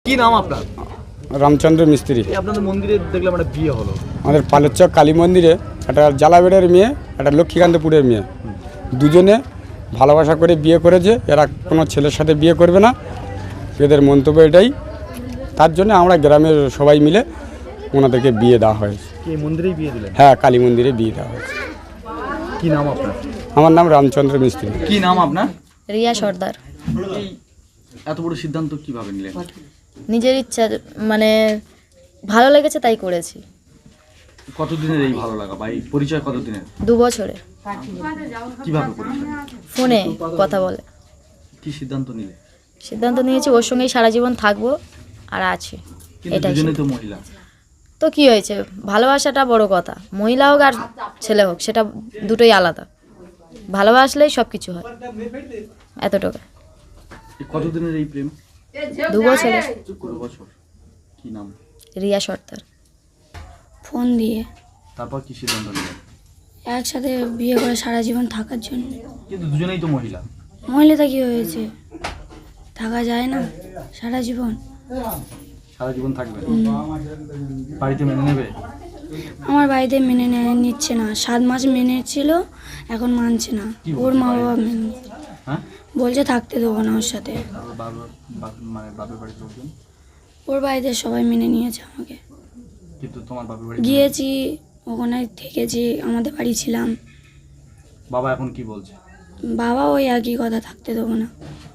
কি নাম আপনার? রামচন্দ্র মিস্ত্রি। আপনাদের মন্দিরে দেখলাম একটা বিয়ে হলো। আমাদের পালেরচক কালী মন্দিরে একটা জালাবেড়ের মেয়ে, একটা লক্ষ্মীকান্তপুরের মেয়ে, দুজনে ভালোবাসা করে বিয়ে করেছে। এরা কোনো ছেলের সাথে বিয়ে করবে না, এদের মন্তব্য এটাই। তার জন্য আমরা গ্রামের সবাই মিলে ওনাদেরকে বিয়ে দেওয়া হয়েছে। কি মন্দিরেই বিয়ে দিলেন? হ্যাঁ, কালী মন্দিরে বিয়ে দেওয়া হয়েছে। কি নাম আপনার? আমার নাম রামচন্দ্র মিস্ত্রি। কি নাম আপনার? রিয়া সর্দার। এই এত বড় সিদ্ধান্ত কিভাবে নিলেন? নিজের ইচ্ছা, মানে ভালো লেগেছে তাই করেছি। কতদিনের এই ভালো লাগা বা এই পরিচয় কতদিনের? 2 বছরে। কিভাবে পরিচয়? ফোনে কথা বলে কি সিদ্ধান্ত নিলে? সিদ্ধান্ত নিয়েছি ওর সঙ্গেই সারা জীবন থাকবো আর আছি। কিন্তু এটাই দুজনেই তো মহিলা। তো কি হয়েছে, ভালোবাসাটা বড় কথা। মহিলা হোক আর ছেলে হোক, সেটা দুটোই আলাদা। ভালোবাসলেই সব কিছু হয়, এতটুকু। এই কতদিনের এই প্রেম? 2 বছরে। 2 বছর। কি নাম? রিয়া সর্দার। ফোন দিয়ে তারপর কি সিদ্ধান্ত নিলেন? একসাথে বিয়ে করে সারা জীবন থাকার জন্য। কিন্তু দুজনেই তো মহিলা। মহিলাটা কি হয়েছে, থাকা যায় না সারা জীবন? সারা জীবন থাকবে? বাড়িতে মেনে নেবে? আমার বাড়িতে মেনে নিচ্ছে না। 7 মাস মেনে ছিল, এখন মানছে না। ওর মা বাবা মেনে নিচ্ছে। হ্যাঁ, বলছে থাকতে দেবো না ওর সাথে। মানে বাপের বাড়ির লোকজন? ওর বাড়িতে সবাই মেনে নিয়েছে আমাকে। কিন্তু তোমার বাপের বাড়ি? গিয়েছি, ওখানে থেকেছি, আমাদের বাড়ি ছিলাম। বাবা এখন কি বলছে? বাবা ওই একই কথা, থাকতে দেবো না।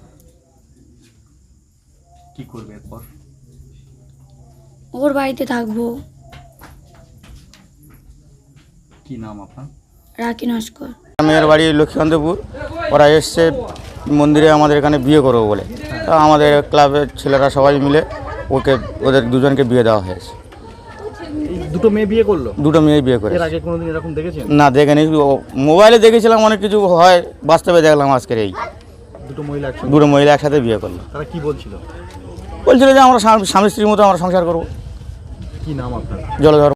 কি করবে এরপর? ওর বাড়িতে থাকবো। কি নাম আপনার? রাখি নস্কর। মেয়ের বাড়ি লক্ষ্মীকান্তপুর। ওরা এসছে মন্দিরে আমাদের এখানে বিয়ে করবো বলে। তা আমাদের ক্লাবের ছেলেরা সবাই মিলে ওদের দুজনকে বিয়ে দেওয়া হয়েছে। এই দুটো মেয়ে বিয়ে করলো? দুটো মেয়ে বিয়ে করে। এর আগে কোনোদিন এরকম দেখেছেন? না, দেখেনি। মোবাইলে দেখেছিলাম অনেক কিছু হয়, বাস্তবে দেখলাম আজকের এই দুটো মহিলা একসঙ্গে? দুটো মহিলা একসাথে বিয়ে করলো। তারা কি বলছিল? বলছিল যে আমরা স্বামী স্ত্রীর মতো আমরা সংসার করবো। কি নাম আপনার? জলধর।